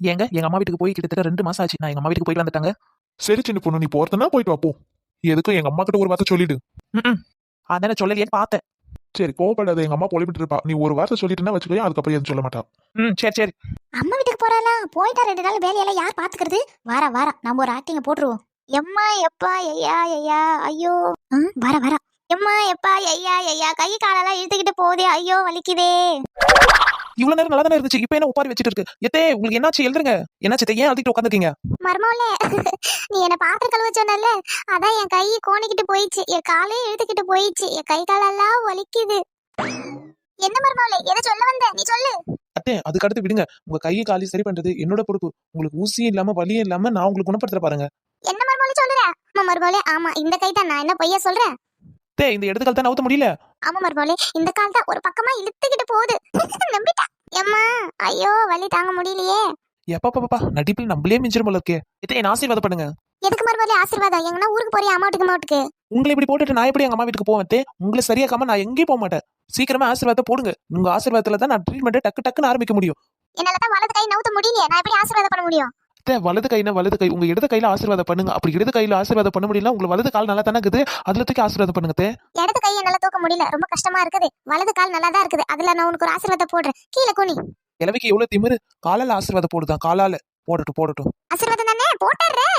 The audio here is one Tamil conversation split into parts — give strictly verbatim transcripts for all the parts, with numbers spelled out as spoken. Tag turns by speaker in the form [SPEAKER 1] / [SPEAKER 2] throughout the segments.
[SPEAKER 1] ஏங்க எங்க அம்மா வீட்டுக்கு போய் கிட்டத்தட்ட ரெண்டு மாசம் ஆச்சு. நான் எங்க அம்மா வீட்டுக்கு போயிட்டு வந்துட்டாங்க.
[SPEAKER 2] சரி சின்ன பொண்ணு, நீ போறதுன்னா போயிட்டு வா போ. எதுக்கும் எங்க அம்மா கிட்ட ஒரு வார்த்தை சொல்லிடு.
[SPEAKER 1] ம் அதானே சொல்லலையேன்னு பார்த்தேன்.
[SPEAKER 2] சரி கோவப்படாத, எங்க அம்மா பொழிப்பிட்டு இருப்பா. நீ ஒரு வார்த்தை சொல்லிட்டுனா வச்சுக்கோ, அதுக்கப்புறம் எதுவும் சொல்ல மாட்டா.
[SPEAKER 1] ம் சரி சரி.
[SPEAKER 3] அம்மா வீட்டுக்கு போறாளா? போயிட்டா ரெண்டு நாள் வேலையெல்லாம் யார் பாத்துக்கிறது? வாரா வாரா நம்ம ஒரு ஆக்டிங்க போட்டுருவோம். எம்மா எப்பா ஐயா ஐயா ஐயோ. வர வர எம்மா எப்பா ஐயா ஐயா கை காலெல்லாம் இழுத்துக்கிட்டு போதே, ஐயோ வலிக்குதே.
[SPEAKER 1] இவ்வளவு நேரம் நல்லா தானே இருந்துச்சு, இப்ப என்ன உட்காரி வச்சிட்டு இருக்கு? எத்தே உங்களுக்கு என்னாச்சு? எழுதுங்க. என்னாச்சு? ஏன் அழுத்திட்டு உட்காந்துருக்கீங்க?
[SPEAKER 3] மர்மோலே நீ என்ன பாத்திரம் கழுவ சொன்னல, அதான் என் கை கோணிக்கிட்டு போயிடுச்சு, என் காலே இழுத்துக்கிட்டு போயிடுச்சு, என் கை காலெல்லாம் வலிக்குது. என்ன மர்மோலே, எதை சொல்ல வந்த நீ சொல்லு.
[SPEAKER 1] அத்தே அதுக்கு அடுத்து விடுங்க. உங்க கையை காலி சரி பண்றது என்னோட பொறுப்பு. உங்களுக்கு ஊசியும் இல்லாம வலியும் இல்லாம நான் உங்களுக்கு குணப்படுத்துற பாருங்க.
[SPEAKER 3] என்ன மர்மோலே சொல்லுற? ஆமா மர்மோலே, ஆமா இந்த கை தான். நான் என்ன பொய்யா சொல்றேன்?
[SPEAKER 1] தே இந்த இடத்து கால் தான் நவுத்த முடியல.
[SPEAKER 3] ஆமா மர்மோலே, இந்த கால் தான் ஒரு பக்கமா இழுத்துக்கிட்டு போகுது. நம்பிட்டா. எம்மா ஐயோ வலி தாங்க முடியலையே.
[SPEAKER 1] எப்பா பாப்பா நடிப்பில் நம்மளே மிஞ்சிரும் போல இருக்கே. எத்தே என்ன ஆசீர்வாதம் பண்ணுங்க.
[SPEAKER 3] எதுக்கு மர்மோலே ஆசீர்வாதம்? எங்கன்னா ஊருக்கு போறியா? அம்மா வீட்டுக்கு? அம்மா வீட்டுக்கு
[SPEAKER 1] உங்களை இப்படி போட்டுட்டு நான் எப்படி எங்க அம்மா வீட்டுக்கு போவேன்? தே உங்களை சரியாக்காம நான் எங்கேயும் போக மாட்டேன். சீக்கிரமா ஆசீர்வாதத்தை போடுங்க. உங்க ஆசீர்வாதத்துல தான் நான் ட்ரீட்மெண்ட்டை டக்கு டக்குன்னு ஆரம்பிக்க முடியும்.
[SPEAKER 3] என்னால தான் வலது கை நவுத்த முடியலையே, நான் எப்படி ஆசீர்வாதம் பண்ண முடியும்?
[SPEAKER 1] தே வலது கைனா வலது கை, உங்க இடது கையில ஆசீர்வாதம் பண்ணுங்க. அப்படி இடது கையில ஆசீர்வாதம் பண்ண முடியல, உங்க வலது கால் நல்லா தானே இருக்குது, அதுல தூக்கி ஆசீர்வாதம் பண்ணுங்க. தே
[SPEAKER 3] இடது கையை என்னால தூக்க முடியல, ரொம்ப கஷ்டமா இருக்குது. வலது கால் நல்லா தான் இருக்குது, அதுல நான் உனக்கு ஒரு ஆசீர்வாதம் போடுறேன். கீழே குனி.
[SPEAKER 1] கிழவிக்கு எவ்வளவு திமிரு, காலால ஆசீர்வாதம் போடுதான். காலால போடட்டும் போடட்டும்.
[SPEAKER 3] ஆசீர்வாதம் தானே போட்டுறேன்.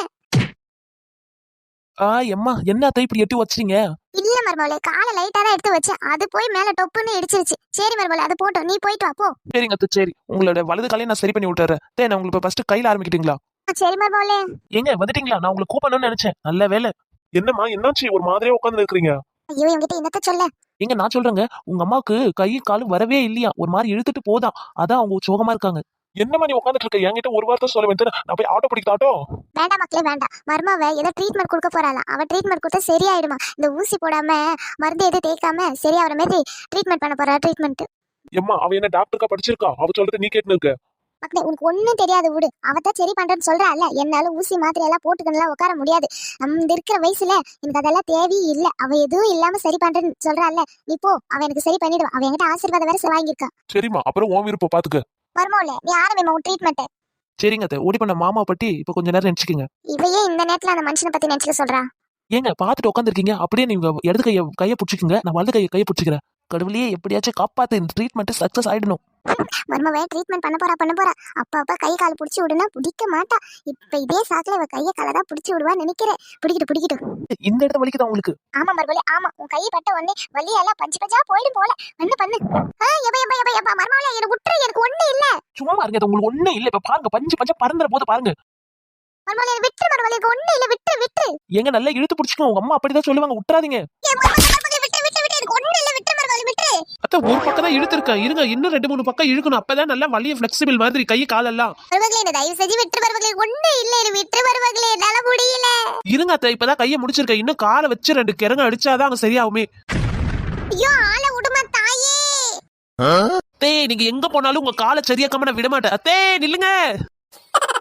[SPEAKER 1] ஆ எம்மா என்ன அத்தை இப்படி எட்டி வச்சிட்டீங்க?
[SPEAKER 3] இல்ல மர்மோலே, காலை லைட்டா தான் எடுத்து வச்சேன், அது போய் மேல டொப்புன்னு இடிச்சிருச்சு. சரி மர்மோலே, அது போட்டோம், நீ போயிட்டு வா போ.
[SPEAKER 1] சரிங்க அத்தை சரி. உங்களோட வலது காலையை நான் சரி பண்ணி விட்டுறேன். தே நான் உங்களுக்கு ஃபர்ஸ்ட் கையில ஆரம்பிக்கிட்டீங்களா?
[SPEAKER 3] சரி மர்மோலே.
[SPEAKER 1] எங்க வந்துட்டீங்களா? நான் உங்களுக்கு கூப்பிடணும்னு நினைச்சேன். நல்ல வேலை.
[SPEAKER 2] என்னம்மா என்னாச்சு, ஒரு மாதிரியா உட்காந்து இருக்கிறீங்க?
[SPEAKER 3] ஐயோ என்கிட்ட என்னத்த சொல்ல.
[SPEAKER 1] எங்க நான் சொல்றேங்க, உங்க அம்மாவுக்கு கை காலும் வரவே இல்லையா, ஒரு மாதிரி இழுத்துட்டு போதான், அதான் அவங்க சோகமா இருக்காங்க.
[SPEAKER 2] என்னம்மா நீ உட்காந்துட்டு இருக்க? என்கிட்ட ஒரு வார்த்தை சொல்ல வேண்டியது, நான் போய் ஆட்டோ பிடிக்கட்டாட்டோ?
[SPEAKER 3] வேண்டாம் மக்களே வேண்டாம். மர்மாவை ஏதோ ட்ரீட்மெண்ட் கொடுக்க போறாளாம். அவ ட்ரீட்மெண்ட் கொடுத்தா சரியாயிடுமா. இந்த ஊசி போடாம மருந்து எதுவும் தேய்க்காம சரியாகிற மாதிரி ட்ரீட்மெண்ட் பண்ண போறா. ட்ரீட்மெண்ட்
[SPEAKER 2] எம்மா அவ என்ன டாக்டருக்கா படிச்சிருக்கா? அவ சொல்றது நீ கேட்டு இருக்க.
[SPEAKER 3] மக்களே உனக்கு ஒன்னும் தெரியாது விடு. அவதான் சரி பண்றேன்னு சொல்றா இல்ல. என்னால ஊசி மாத்திரை எல்லாம் போட்டுக்கணும்லாம் உட்கார முடியாது. நம்ம இருக்கிற வயசுல எனக்கு அதெல்லாம் தேவையே இல்ல. அவ எதுவும் இல்லாம சரி பண்றேன்னு சொல்றா இல்ல, நீ போ, அவ எனக்கு சரி பண்ணிடுவா. அவ என்கிட்ட ஆசீர்வாதம் வேற வாங்கியிருக்கா.
[SPEAKER 2] சரிம்மா அப்புறம் உன் விருப்பம் பாத்துக்க.
[SPEAKER 3] மர்மோல நீ ஆரம்பிமா உன் ட்ரீட்மெண்ட்.
[SPEAKER 1] சரிங்க அத்தை, ஓடி பண்ண மாமா பட்டி இப்ப கொஞ்ச நேரம் நினைச்சுக்கோங்க.
[SPEAKER 3] இவையே இந்த நேரத்துல அந்த மனுஷனை பத்தி நினைச்சுக்க சொல்றா.
[SPEAKER 1] ஏங்க பாத்துட்டு உட்காந்துருக்கீங்க, அப்படியே நீங்க இடது கைய கையை பிடிச்சிக்கங்க, நான் வலது கையை கையை பிடிச்சிக்கிறேன். கடவுளையே எப்படியாச்சும் காப்பாத்து, இந்த ட்ரீட்மெண்ட் சக்சஸ் ஆயிடணும்.
[SPEAKER 3] மர்மவே ட்ரீட்மெண்ட் பண்ண போறா பண்ண போறா. அப்ப அப்ப கை கால் புடிச்சு விடுனா பிடிக்க மாட்டா. இப்ப இதே சாக்குல இவ கையை காலை தான் புடிச்சு விடுவா நினைக்கிறேன். பிடிக்கிட்டு பிடிக்கிட்டு
[SPEAKER 1] இந்த இடத்த வலிக்குதா உங்களுக்கு?
[SPEAKER 3] ஆமா மர்மலே ஆமா. உன் கையை பட்ட உடனே வலியெல்லாம் பஞ்சு பஞ்சா போயிடும் போல. பண்ணு பண்ணு. எப்ப எப்ப எப்ப எப்ப மர்மலே எனக்கு விட்டுரு, எனக்கு ஒண்ணு இல்ல.
[SPEAKER 1] சும்மா பாருங்க, அது உங்களுக்கு ஒண்ணு இல்ல. இப்ப பாருங்க பஞ்சு பஞ்சா பறந்துற போது பாருங்க.
[SPEAKER 3] மர்மலே விட்டுரு மர்மலே, எனக்கு ஒண்ணு இல்ல, விட்டுரு விட்டுரு.
[SPEAKER 1] எங்க நல்லா இழுத்து பிடிச்சுக்கோ, உங்க அம்மா அப்படிதான் சொல்லுவாங்க, விட்டுறாதீங்க. அத்த ஒரு பக்கம் தான் இழுத்துருக்கேன், இருங்க இன்னும் ரெண்டு மூணு பக்கம் இழுக்கணும், அப்பதான் நல்லா வலிய ஃபிளெக்சிபிள் மாதிரி கை காலெல்லாம்.
[SPEAKER 3] தயவு செஞ்சு விட்டுரு மர்மலே, ஒண்ணு இல்ல, விட்டுரு மர்மலே, என்னால முடியல.
[SPEAKER 1] இருங்க அத்த, இப்பதான் கையை முடிச்சிருக்கேன், இன்னும் காலை வச்சு ரெண்டு கிறங்க அடிச்சாதான் அங்க சரியாகுமே.
[SPEAKER 3] ஐயோ ஆளை விடுமா தாயே.
[SPEAKER 1] அத்தே நீங்க எங்க போனாலும் உங்க காலை சரியாக்காம நான் விட மாட்டேன். அத்தே நில்லுங்க.